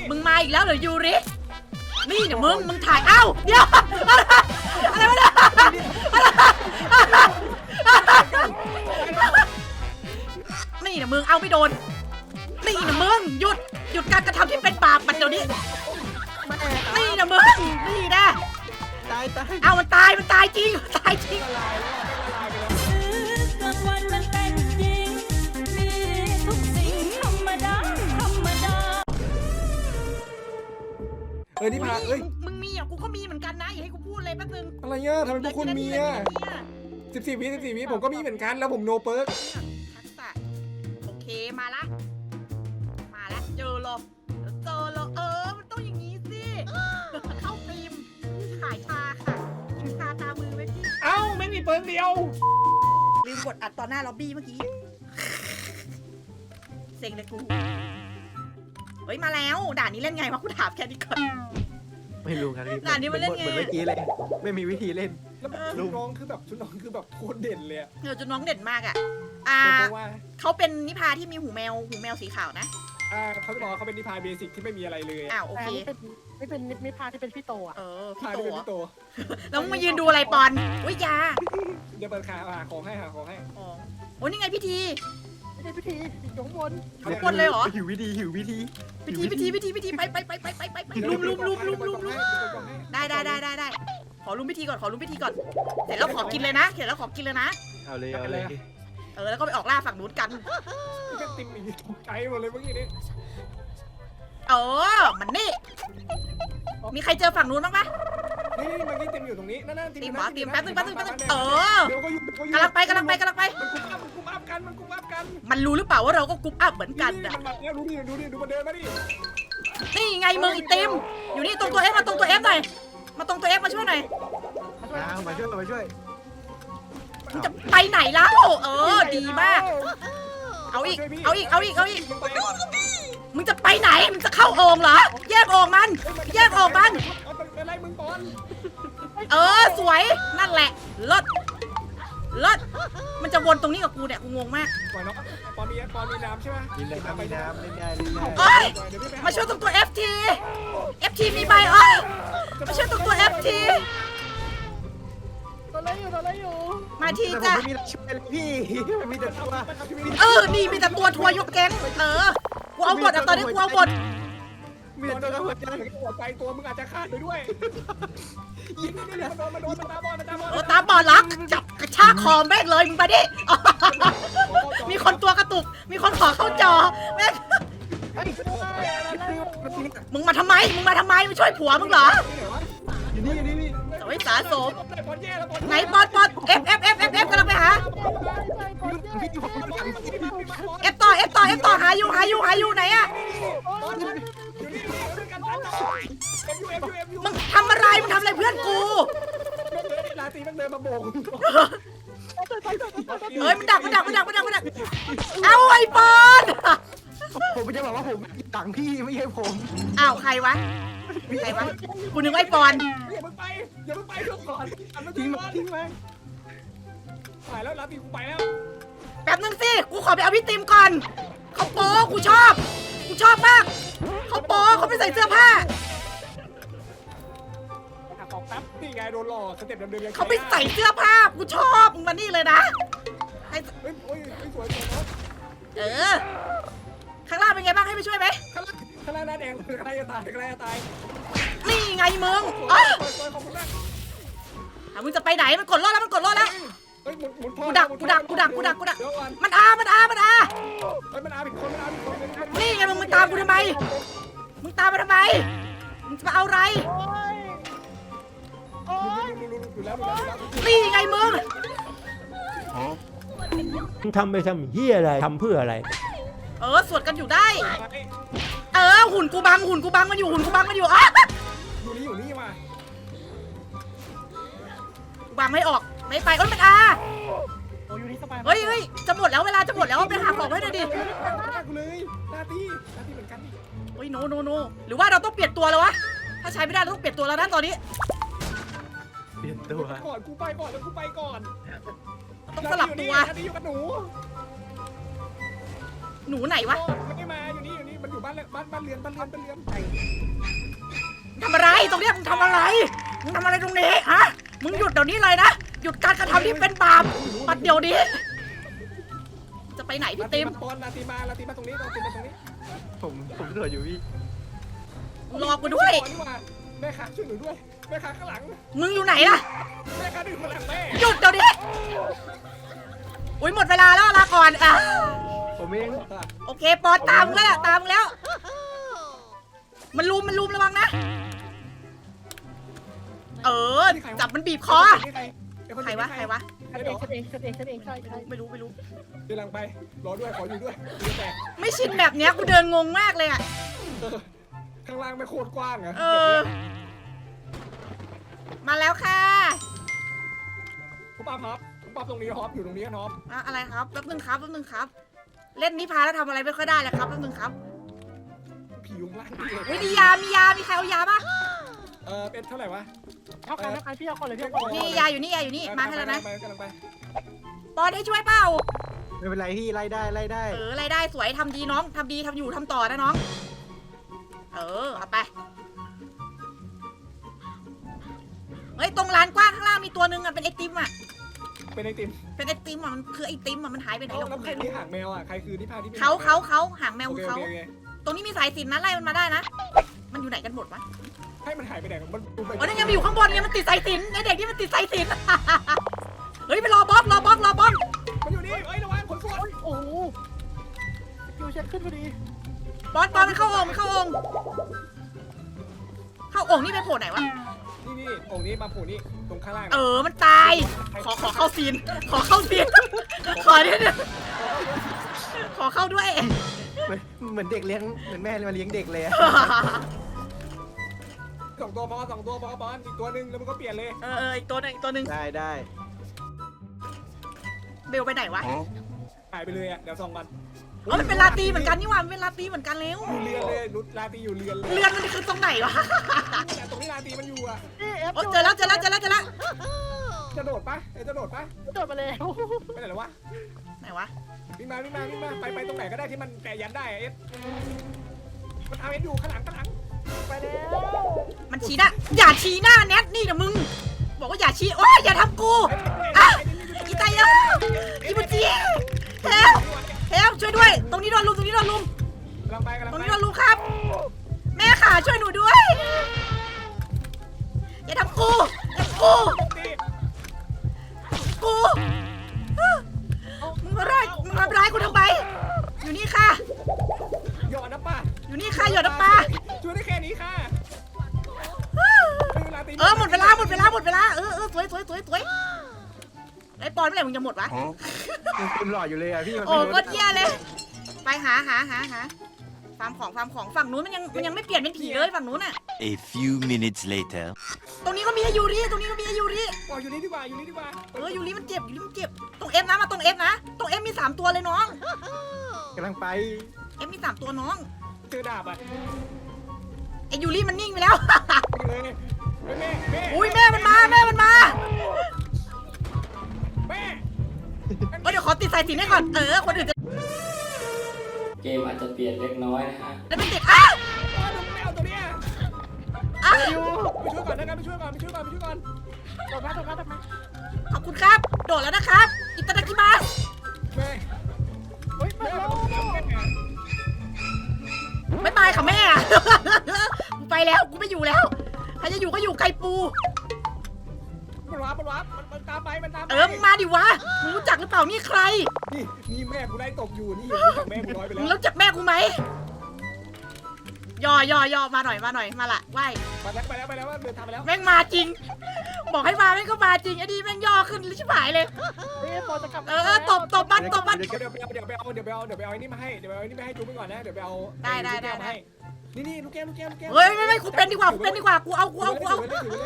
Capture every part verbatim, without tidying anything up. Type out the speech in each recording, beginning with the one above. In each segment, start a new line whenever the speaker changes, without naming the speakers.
มึงมาอีกแล้วเหรอยูรินี่เดี๋ยวมึงมึงถ่ายเอ้าเดี๋ยวอะไรวะเนี่ยนี่เดี๋ยวมึงเอาไม่โดนนี่เดี๋ยวมึงหยุดหยุดการกระทำที่เป็นบาปมันเดี๋ยวนี้นี่เดี๋ยวมึงนี่นะ
ตายตาย
เอามันตายมันตายจริงตายจริง
เออนี่พาเอ้ย
มึงมีอ่ะกูก็มีเหมือนกันนะอย่าให้กูพูดเลยแป๊บนึง
อะไรเงี้ยทำไมพวกคุณมีอ่ะสิบสี่วิสิบสี่วิผมก็มีเหมือนกันแล้วผมโนเปิร์ก
ทักษะโอเคมาละมาละเจอหรอเจอหรอเออมันต้องอย่างนี้สิเข้าฟิล์มขายชาค่ะชาตามือไหมพี่
เอ้าไม่มีเปิร์กเดียว
ลืมกดอัดต่อหน้าล็อบบี้เมื่อกี้เซ็งเลยกูเฮ้ยมาแล้วด่านนี้เล่นไงวะกูถามแค่นี้ก่อน
ไม่รู้ครับพี่
ด่านนี้มันเล่นไง
เหมือนเมื่อกี้เลยไม่มีวิธีเล่น
แล้วชุดน้องคือแบบชุดน้องคือแบบโคตรเด่นเลย
เออชุดน้องเด่นมากอ่ะอ่าเขาเป็นนิพาที่มีหูแมวหูแมวสีขาวนะ
อ่าเขาจะบอกเขาเป็นนิพาเบสิกที่ไม่มีอะไรเลย
อ้าวโอเค
ไม่เป็นนิพาที่เป็นพี่โตอ่ะ
เออ
พี่โตพี่โต
แล้วมึงมายืนดูอะไรปอนอุ้ยยา
เดี๋ยวเปิดขาหาของให้หาของให้
อ๋อโอ้นี่ไงพิธี
ไม่ใช่พิธีอยู่ข้างบน
ข้างบนเลยเหรอ
หิววิธีหิววิธี
พิธีพิธีพิธีพิธีไปไปไปไปไปไปไปลุมลุมลุมลุมลุมลุมได้ได้ได้ได้ได้ขอลุมพิธีก่อนขอลุมพิธีก่อนเสร็จแล้วขอกินเลยนะเสร็จแล้วขอกินเลยนะ
เอาเลยเอาเลย
เออแล้วก็ไปออกล่าฝั่งนู้นกัน
ก็ติ่มอีกตกใจหมดเลยเมื่อกี้นี้
เออมันนี่มีใครเจอฝั่งนู้นบ้างปะ
นี่เมื่อกี้ติ่มอยู่ตรงนี้นั่นนั่น
ติ่มหรอติ่มแป๊บนึงแป๊บนึงแป๊บนึงเออกำลังไปกำลังไปกำลังไป
มันกุมอัพมันกุมอัพกันมันกุมอัพกัน
มันรู้หรือเปล่าว่าเราก็กุมอัพเหมือนกัน
อ่ะมันมาแล้วดูดิดูดิดูมันเดินมาดิ
นี่ไงมึงอีติมอยู่นี่ตรงตัวเอฟมาตรงตัวเอฟหน่อยมาตรงตัวเอฟมาช่วยหน่อย
มาช่วยมาช่วย
มึงจะไปไหนแล้วเออดีมากเอาอีกเอาอีกเอาอีกเอาอีกมึงจะไปไหนมึงจะเข้าโอ่งเหรอแยกโอ่งมันแยกโอ่งมันเออสวยนั่นแหละเลิศเลิศมันจะวนตรงนี้กับกูเนี่ยกูงงมาก
ปอนปอนมีปอนมีน้ำใช่ไหม
มีน้ำมีน้ำเล่นได้เล่นได้
เอ้ยมาช่วยตรงตัว เอฟ ที เอฟ ที มีใบเอ้ยมาช่วยตรงตัว เอฟ ที
ตัวอะไรอยู่ตัวอะไรอยู่
มาทีจ้ะ
พี่มีแต่ตัว
เออนี่มีแต่ตัวทัวร์ยกแก๊งเออกูเอาหมดอ่ะตอนนี้กูเอาหมด
มีแต่ตัวหัวใจหัวใจตัวมึงอาจจะขาดไปด้วยยิงนี่นี่มันโดนมันโดนมันตาบอดมันตาบอด
เออตาบอดลักจับกระชากคอแม่งเลยมึงไปดิมีคนตัวกระตุกมีคนขอเข้าจอแม่งมึงมาทำไมมึงมาทำไมมาช่วยผัวมึงเหรอ
อยู่นี่อยู่นี่นี่
โอ้ยสาสมไหนปอดปอดเอฟเอฟเอฟเอฟเอฟกำลังไปหาเอฟต่อเอฟต่อเอฟต่อหาอยู่หาอยู่หาอยู่ไหนอะมึงทำอะไรมึงทำอะไรเพื่อนกู
ลาตีมันเดินมาโบก
เฮ้ยมันดักมันดักมันดักมันดักมันดักเอาไอ้ปอน
ผมจะบอกว่าผมต่างพี่ไม่ใช่ผม
อ้าวใครวะใครวะกูนึกไอ้ปอน
อย่าเพิ่งไปอย่าเพิ่งไปทุกก่อน
ทิ้งมาทิ้งมา
ไปแล้วลาตีกูไปแล้ว
แป๊บนึงสิกูขอไปเอาพี่ติมก่อนเขาโป๊กูชอบกูชอบมากเขาโป๊เขาไม่ใส่เสื้อผ้า
ของแป๊บนี่ไงโดนหลอกสเต็ปเดิมๆ
เขาไม่ใส่เสื้อผ้ากูชอบมึงมานี่เลยนะ
เฮ้ยโอ้ยสวยๆนะ
เออข้างล่างเป็นไงบ้างให้ไปช่วยไหม
ข้างล่างข้างล่างนั่นเองข้างล่างจะตายข้างล่างจะตาย
นี่ไงมึงอ๋อมึงจะไปไหนมันกดรอดแล้วมันกดรอดแล้วกูดักกูดักกูดักกูดักกูดักมันอามันอามันอา
มันอาผิดคนมันอาผิดคน
นี่ไงมึงมึงตามกูทำไมมึงตามมาทำไมมึงจะมาเอาอะไรนี่ไงมึง
มึงทำไปทำเหี้ยอะไรทำเพื่ออะไร
เออสวดกันอยู่ได้เออหุ่นกูบังหุ่นกูบังมันอยู่หุ่นกูบังมันอยู่อ่ะ
อยู่นี่อยู่นี่มา
บังไม่ออกไม่ไปเอ้ยมันอาเฮ้ยเฮ้ยจะหมดแล้วเวลาจะหมดแล้วไปหาของให้หน่อยดิ
กูเลยหน้าที่หน้าที่เหมือนกัน
เฮ้ยโนโนโนหรือว่าเราต้องเปลี่ยนตัวแล้ววะถ้าใช้ไม่ได้เราต้องเปลี่ยนตัวแล้วนะตอนนี้
เปลี่ยนตัว
ก่อนกูไปก่อนแล้วกูไปก่อน
ต้องสลับตัว
อยู่กับหนู
หนูไหนวะ
ไม่มาอยู่นี่อยู่นี่มันอยู่บ้านบ้านบ้านเรือนบ้านเรือนบ้านเรือน
ทำอะไรตรงเนี้ยมึงทำอะไรมึงทำอะไรตรงนี้ฮะมึงหยุดเดี๋ยวนี้เลยนะหยุดการกระทำที่เป็นบาปปัดเดี๋ยวนี้จะไปไหนพี่ติม
ตอนลาตีมาลาตีมาตรงนี้ลาตีมาตรงนี้
ผมผมตรวจอยู่พี่
รอกูด้วย
แม่ขาช่วยหนูด้วยแม่ขาข้างหลัง
มึงอยู่ไหนล่ะ
แม่ขาดึงข้างหลังแม่
หยุดเดี๋ยวนี้อุ้ยหมดเวลาแล้วลาก่อนอ่ะ
ผมเอง
โอเคปอนตามมึงแล้วตามมึงแล้ว มันลุมมันลุมระวังนะเออจับมันบีบคอใครวะใครวะ
ฉันเองฉันเองฉันเองฉันเองใช่ใช่
ไม่รู้ไม่รู้
เดินหลังไปรอด้วยขออยู่ด้วยแต่
ไม่ชินแบบเนี้ยกูเดินงงมากเลยอ่ะ
ข้างล่างไม่โคตรกว้างอะ
เออมาแล้วค่ะ
คุณป้าฮอปคุณป้าตรงนี้ฮอปอยู่ตรงนี้ฮอป
อะอะไรครับแป๊บนึงครับแป๊บนึงครับ เล่นนิพาแล้วทำอะไรไม่ค่อยได้เลยครับแป๊บนึงครับ
ผียุงล่าง
วิมียามียามีใครเอายาปะ
เออเป็นเท่าไหร่วะ
เท่ากันเท่ากันพี่เอาก่อนเลยพี่เอาก่อนเลย
นี่ยาอยู่นี่ยาอยู่นี่มาให้แล้วนะ
กำลังไป
ปอนให้ช่วยเปล่า
ไม่เป็นไรพี่ไล่ได้ไล่ได้
เออรายได้สวยทำดีน้องทำดีทำอยู่ทำต่อนะน้อง เออเอาไปเฮ้ยตรงร้านกว้างข้างล่างมีตัวนึงอ่ะเป็นไอติมอ่ะ
เป็นไอติม
เป็นไอติมอ่ะมันคือไอติมอ่ะมันหายไปไหน
แล้ว
เรา
ใครมีหางแมวอ่ะใครคือนิพาที่
เขาเขาเขาหางแมว
โอ
คือ
เค
เขา
โอเค
ตรงนี้มีสายสิญจนนะไล่มันมาได้นะ มันอยู่ไหนกันหมดวะ
ให้มันหายไปไหนมันดูไป
อ๋อนี่ไงมันอยู่ข้างบนไงมันติดสายสิญจนไอเด็กที่มันติดสายสิญจน เฮ้ยไปรอบล็อกรอบล็อกรอบล็อก
มันอยู่นี่เอ้ยระวังขนส่วน
โอ้โหคิวเช็คขึ้นพอดี
บอสบอสมันเข้าองค์มันเข้าองค์เข้าองค์นี่ไปโผล่ไหนวะ
นี่นี่องค์นี้มาผูนี่ตรงข้างล่าง
เออมันตาย ขอขอเข้าซีน ขอเข้าซีน ขอเนี่ยเนี่ยขอเข้าด้วย
เหมือนเหมือนเด็กเลี้ยงเหมือนแม่มาเลี้ยงเด็กเลยอะ
สองตัวพอสองตัวพอบอลอีกตัวหนึ่งแล้วมันก็เปลี่ยนเลย
เออเอออีกตัวหนึงอีกตัวหนึง
ได้ได้
เบลไปไหนวะ
หายไปเลยอ่ะเดี๋ยวส่องกัน
อ๋อมันเป็นลาตีเหมือนกันนี่หว่ามันเป็นลาตีเหมือนกันแล้ว
อยู่เรือนเลยนุชลาตีอยู่เรือนเลย
เรือนมันคือตรงไหนวะ
แต่ตรงนี้ลาตีมันอยู่อ่ะ
นี่เอฟ
โอ้เจอแล้วเจอแล้วเจอแล้วเจอแล้ว
จะโดดปะเอ้จะโดดปะ
โดดมาแล้ว
ไปไหนแล้ววะ
ไหนวะ
วิ่งมาวิ่งมาวิ่งมาไปไปตรงไหนก็ได้ที่มันแตะยันได้เอสมันเอาเอสอยู่ข้างหลังข้างหลัง
ไปแล้ว
มันชี้หน้าอย่าชี้หน้าแนทนี่นะมึง บอกว่าอย่าชี้โอ้ยอย่าทำกูอ่ะอีตายเอ้ยอีบุจีเฮลเฮลช่วยด้วย ตรงนี้โดนลุมตรงนี้โดนลุม
กำลังไปกำลัง
ตรง
ไป
นี้โดนลุมครับ แม่ขาช่วยหนูด้วย อย่าทำกูอย่าทำกู
ตี
กูมึงมาร้ายมึงมาร้ายกูทำไมอยู่นี่ค่ะ
หยอดนะป้า
อยู่นี่ค่ะหยดน้ำปลา
ช่วยได้แค่นี้ค่ะ
เออหมดเวลาหมดเวลาหมดเวลาเออเออสวยสวยสวยสวยไอ้ปอนเมื่อไหร่มึงจะหมดวะ
ยังเต็มหลอดอยู่เลยอะพี่มัน
โอ้
ไม่รู้
ก็เที่ยเลย ไปหาหาหาหาฟาร์มของฟาร์มของฝั่งนู้นมันยังมันยังไม่เปลี่ยนเป็นผีเลยฝั่งนู้นน่ะ
A few minutes later.
ตรงนี้ก็มีอายูริตรงนี้ก็มีอายูริ
อ๋ออยู่นี่ดีกว่าอยู่นี่ดีกว่า
เออยูริมันเจ็บยูริมันเจ็บตรงเอฟนะมาตรงเอฟนะตรงเอฟมีสามตัวเลยน้อง
กำลังไป
เอฟมีสามตัวน้อง
เจอดาบอ่ะ
ไอยูริมันนิ่งไปแล้ว
เลยแม่แม่
อุ้ยแม่มันมาแม่มันมา
แม่
เออเดี๋ยวขอติดสายสิญจนให้ก่อนเออคนอื่นจะ
เกมอาจจะเปลี่ยนเล็กน้อยนะฮะ
จะเป็นติดอ้าว
ไม่เอาตัวเนี้ย
อ้าว
ไปช่วยก่อนนะครับไปช่วยก่อนไปช่วยก่อนไปช่วยก่อน
โดดมาโดดมาโดดมา
ขอบคุณครับโดดแล้วนะครับอิตาดากิมัส
แม่
เฮ้ยไป
แม่
แล้ว
ไม่บายค่ะแม่ กูไปแล้วกูไม่อยู่แล้วใครจะอยู่ก็อยู่ไกลปู
มันวาร์ปมันวาร์ปมันมันตามไปมันตามไป
เออมึงมาดิวะมึงรู้จักหรือเปล่านี่ใคร
นี่นี่แม่กูได้ตกอยู่นี่รู้จักแม่กูร้อยไป
มึง
แล้ว
รู้จักแม่กูไหมย่อย่อย่อมาหน่อยมาหน่อยมาละไหว
ไปแล้วไปแล้วไปแล้วเดินทางไปแล้ว
แม่งมาจริง บอกให้มาแม่งก็มาจริงไอ้ดีแม่งย่อขึ้นชิบหายเลย
เฮ้ยปอจะกลับ
เออเออตบตบมันตบมัน
เดี๋ยวเดี๋ยวไปเอาเดี๋ยวไปเอาเดี๋ยวไปเอาเดี๋ยวไปเอาไอ้นี่มาให้เดี๋ยวไปเอาไอ้นี่มาให้จูบไปก่อนนะเดี๋ยวไปเอา
ได้ได้ได้
ให้นี่นี่ลูกแก้วลูกแก้วลูกแก้ว
เฮ้ยไม่ไม่กูเป็นดีกว่ากูเป็นดีกว่ากูเอากูเอากูเอา
ถืไว้เลยถือไว้เลย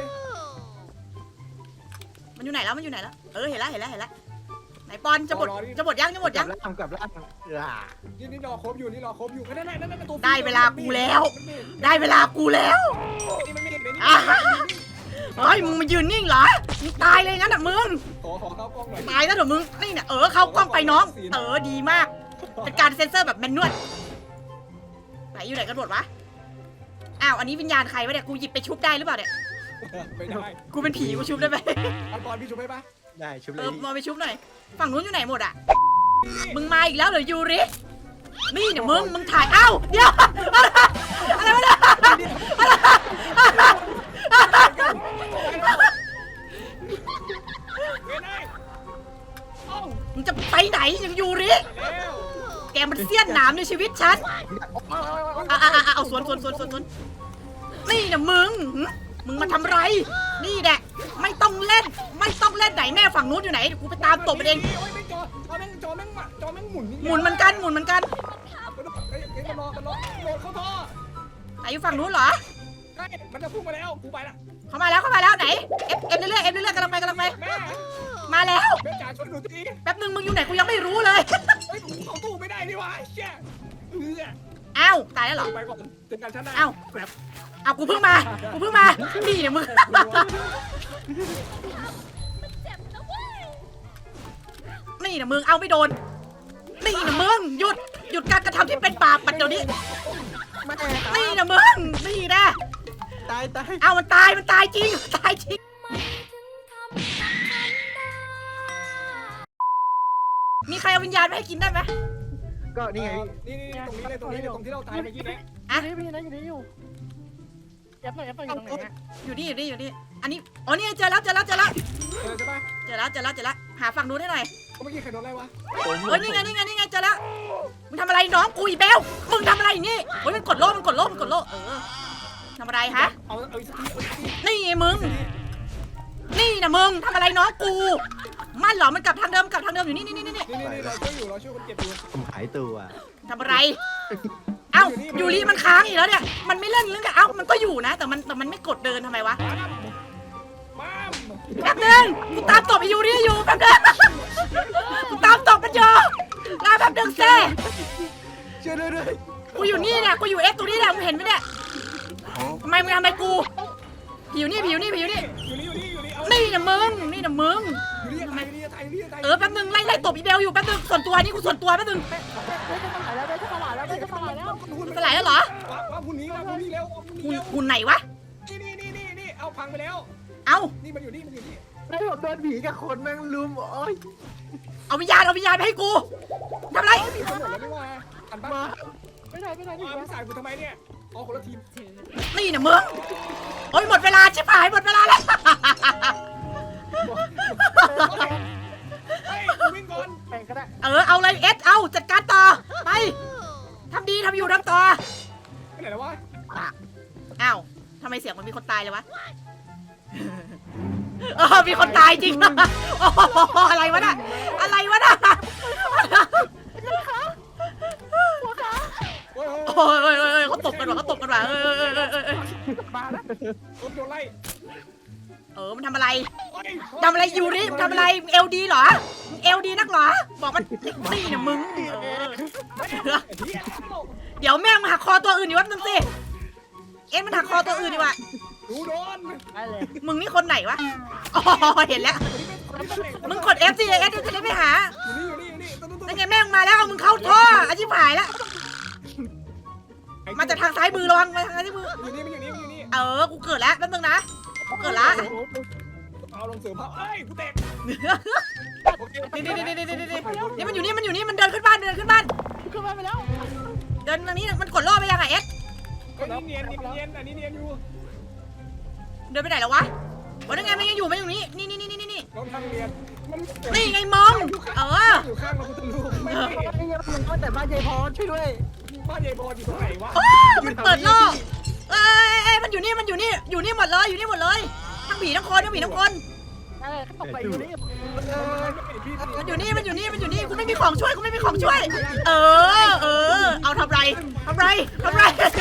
มันอยู่ไหนแล้วมันอยู่ไหนแล้วเออเห็นแล้วเห็นแล้วเห็นแล้วไหนปอนจะหมดจะหมดยังจะหมด
กลั
ยั
บ
ง
ล่างกลับล่างอ่า
นี่นี่รอครบอยู่นี่รอครบอยู่นั่นนั่นนั่นนั่นตัว
ได้เวลากูแล้ว ได้เวลากูแล้ว
นี่มันไม่เห็นเลยนี่
อ่ะเฮ้ยมึงมายืนนิ่งเหรอมึงตายเลยงั้นอ่ะมึง
ขอขอเข้ากล้องหน่อย
ตายแล้วเดี๋ยวมึงนี่เนี่ยเออเข้ากล้องไปน้อง เออดีมาก เป็นการเซ็นเซอร์แบบแมนนวลไปไหนอยู่ไหนกันหมดวะอ้าวอันนี้วิญญาณใครวะเนี่ยกูหยิบไปชุบได้หรือเปล่าเนี่ย
ไม่ได้
กูเป็นผีกูชุบได้ไหม
เอาตอนพี่ชุบให้ปะ
ได้ชุบเล
เอย อมาไปชุบหน่อยฝั่งนู้นอยู่ไหนหมดอ่ะมึงมาอีกแล้วเหรอยูรินี่เนี่ยมึงมึงถ่ายอ้าวเดี๋ยวอะไรวะเนี่ยอะไร
ไม่ได้เอ้า
มึงจะไปไหนยูริ
แล้ว
แกมันเสี้ยนหนามในชีวิตฉันอ่ะอ่ะอ่ะเอาสวนสวนสวนสวนสวนนี่เนี่ยมึงหึมึงมาทำไร นี่แหละไม่ต้องเล่น ไม่ต้องเล่นไหนแม่ฝั่งนู้นอยู่ไหนเดี๋ยวกูไปตามตบมันเอง
โอ้ยไม่จอจอแม่งจอแม่งมาจอแม่งหมุน
หมุนเหมือนกันหมุนเหมือนกัน
เอ้ยเอ้ยมันรอมันรอโดนเข้าท่อ
ไหนอยู่ฝั่งนู้นเหรอ
ใช่มันจะพุ่งมาแล้วกูไปละ
เข้ามาแล้วเข้ามาแล้วไหนเอฟเอฟเรื่อยเอฟเรื่อยกำลังไปกำลังไป
แม่
มาแล้ว
แม่จ๋าช่วยหนูที
แป๊บนึงมึงอยู่ไหนกูยังไม่รู้เลย
เฮ้ยเขาตู้ไม่ได้นี่วะเชี่ยเออ
อ้าวตายแล้วเหรอ
ไปก่อนเจอกันชั้นหน้า
อ้าว
แบบ
อ้าวกูเพิ่งมากูเพิ่งมานี่เนี่ยมึงนี่เนี่ยมึงเอาไม่โดนนี่เนี่ยมึงหยุดหยุดการกระทำที่เป็นบาปปัดเดี๋ยวนี้
แม่
นี่นะมึงนี่นะ
ตายตาย
เอามันตายมันตายจริงตายจริงมีใครเอาวิญญาณมาให้กินได้ไหม
ก็นี่ไง
นี่นี่ตรงนี้เลยตรงนี้เลยตรงที่เราตายเมื่อกี้เนี่ย
อยู่นี่อยู่นี่อยู่นี่อยู่แอบหน่อยแอบหน่อยอยู่ตรงไหนอะ
อยู่นี่อยู่นี่อยู่นี่อันนี้อ๋อนี่เจอแล้วเจอแล้วเจอแล้ว
เจอใช่ปะ
เจอแล้วเจอแล้วเจอแล้วหาฝั่งนู้นให้หน่อย
เมื่อกี้ใครโดนอะไรวะ
เฮ้ยนี่ไงนี่ไงนี่ไงเจอแล้วมึงทำอะไรน้องกูอีเบลมึงทำอะไรนี่เฮ้ยมันกดโล่มันกดโล่มันกดโล่เออทำอะไรฮะ
เอาเอาอีกสักทีเอาอีกสักที
นี่ไงมึงนี่นะมึงทำอะไรน้องกูมันเหรอมันกลับทางเดิมกลับทางเดิมอยู่นี่นี่นี่นี่
นี่นี่นี่เราช่วยอยู่เราช่วยคนเจ็บอยู่
ผมหายตัว
ทำอะไร เอ้ายูริมันค้างอีกแล้วเนี่ย มันไม่เล่นเรื่องกันเอ้า มันก็อยู่นะ แต่มันแต่มันไม่กดเดินทำไมวะ
ปั๊ม
แป๊บนึงกูตามตบไอ้ยูริอยู่แป๊บนึงกูตามตบมันอยู่รอแป๊บนึงเซ่
ช่วยด้วยด้วย
กูอยู่นี่เนี่ย กูอยู่เอฟตรงนี้แหละมึงเห็นไหมเนี่ยทำไมมึงทำไมกูผิวนี่ผิวนี่ผิวนี่
อยู่นี่อยู่นี่อยู่นี่เอา
นี่นะมึง นี่นะมึง
อยู่นี่อะไรนี่อะไรนี่อะไร
เออแป๊บนึงไล่ไล่ตบอีเบลอยู่แป๊บนึงส่วนตัวนี่กูส่วนตัวแป๊บนึง
เฮ้ยจะสลายแล้วเฮ้ยจะสลายแล้วเฮ้ยจะสลายแล้ว
มันสลายแล้วเหรอ
ว่าว่าพุ่นนี้ว่าพุ่นนี้แล้วพุ่น
หุ่น
นี้แล้ว
หุ่นไหนวะ
นี่นี่นี่นี่นี่เอาพังไปแล้ว
เอ้า
นี่มันอยู่นี่มันอยู่นี่
แล้วผมโดนผีกับคนแม่งลุมโอ้ย
เอาวิญญาณเอาวิญญาณไปให้กูทำไร
มีคนหมดแล้วไม่ว่าอันบ้า
มา
ไม่ได้ไม่ได้
อ๋
ไม่
อ
ได้
ไม่สายกูทำไมเนี่ยอ๋อคนละทีม
นี่นะมึงโอ้ยหมดเวลาชิบหายหมดเวลาแล้ว
เฮ้ยวิ่งก่อน
แบ่งก็ได้
เออเอาเลยเอสเอาจัดการต่อไปทำดีทำอยู่ทำต่อ
ไปไหนแล้ววะ
อ้าวทำไมเสียงมันมีคนตายเลยวะเออมีคนตายจริง โอ้โหอะไรวะน่ะอะไรวะน่ะ
โอ้ย
โอ้ยโอ้ยโอ้ยเขาตบกันว่ะเขาตบกันว่ะเออเออเออเออเออ
มาแล้ว
โดนโดนไล่
เออมันทำอะไร
โอ้ย
ทำอะไรยูริมันทำอะไรเอลดีเหรอเอลดีนักเหรอบอกมันนี่นะมึงเออ
เฮีย
เดี๋ยวแม่งมาหักคอตัวอื่นอยู่วันนึงสิเอ็นมันหักคอตัวอื่นดีกว่า
ดูโดน
ได้เลย
มึงนี่คนไหนวะอ๋อเห็นแล้ว มึงกด F สิ F จะได้ไปหา
อยู่นี่อยู่นี่อยู่นี่ตุ๊ดตุ๊ด
นั่นไงแม่งมาแล้วเอามึงเข้าท่ออาชีพหายแล้ว มาจากทางซ้ายมือระวังมาทางซ้ายมือ
อยู่นี่มันอยู่นี่มันอยู่นี่
เออ กูเกิดแล้วแป๊บนึงนะ กูเกิดละ
เอาลงเสือเผาเอ้ยกูแตกโอเค
นี่นี่นี่นี่นี่นี่นี่มันอยู่นี่มันอยู่นี่มันเดินขึ้นบ้านเดินขึ้นบ้าน
ขึ้นมาไปแล้ว
เดินทางนี้มันกดล่อไปยังไงเอ็ก
อันนี้เนียนเนียนอันนี้เนียนอยู่
เดินไปไหนแล้ววะวันนั้นไงมันยังอยู่มันอยู่นี่นี่นี่นี่นี่นี่
น้องทางเนียนมัน
นี่ไงมองเออ
อยู่ข้างเราพุทธรูปไม่
ไอ้เงี้ยมันก็แต่บ้านยายพรช่วยด้วย
บ้านยายบอลอยู่ตรงไหนวะ
โอ้มันเปิดล่อเอ้ยเอ้ยมันอยู่นี่มันอยู่นี่อยู่นี่หมดเลยอยู่นี่หมดเลยทั้งผีทั้งคนทั้งผีทั้งคน
ได้เลยตกไปอยู่นี่
เออพี่
มันอยู่นี่มันอยู่นี่มันอยู่นี่กูไม่มีของช่วยกูไม่มีของช่วย เออเออเอาทำไรทำไรทำไร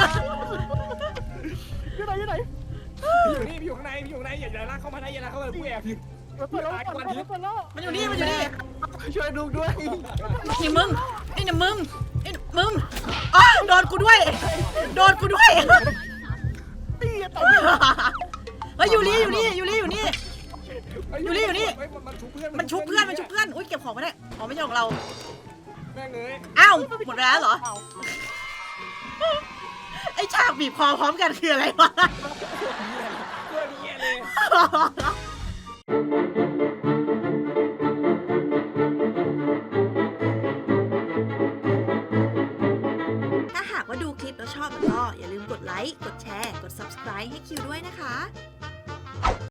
อยู่ไหนอยู่ไหน
อยู่นี่พี่อยู่ข้างในพี่อยู่ข้างในอย่าลากเข้ามานะอย่าลากเข้ามาผู้แอบอยู่
เปิดแล้วเปิดแล้วเปิดแล้ว
มันอยู่นี่มันอยู่นี่
ช่วยดูด้วย
นี่มึงไอ้เนี่ยมึงไอ้มึงอ๋อโดนกูด้วยโดนกูด้วย
ตีต่อ
เฮ้ยอยู่นี่อยู่นี่อยู่นี่อยู่นี่ อยู่นี่อยู่นี่
มันชุบเพื่อน
มันชุบเพื่อนมันชุบเพื่อนอุ้ยเก็บของไม่ได้อ๋อไม่ใช่ของเรา
แม่งเลย
อ้าวหมดเวลาแล้วเหรอไอฉากบีบคอพร้อมกันคืออะไรวะ
ตัวนี้เลย
ถ้าหากว่าดูคลิปแล้วชอบก็อย่าลืมกดไลค์ กดแชร์ กด ซับสไครบ์ ให้คิวด้วยนะคะ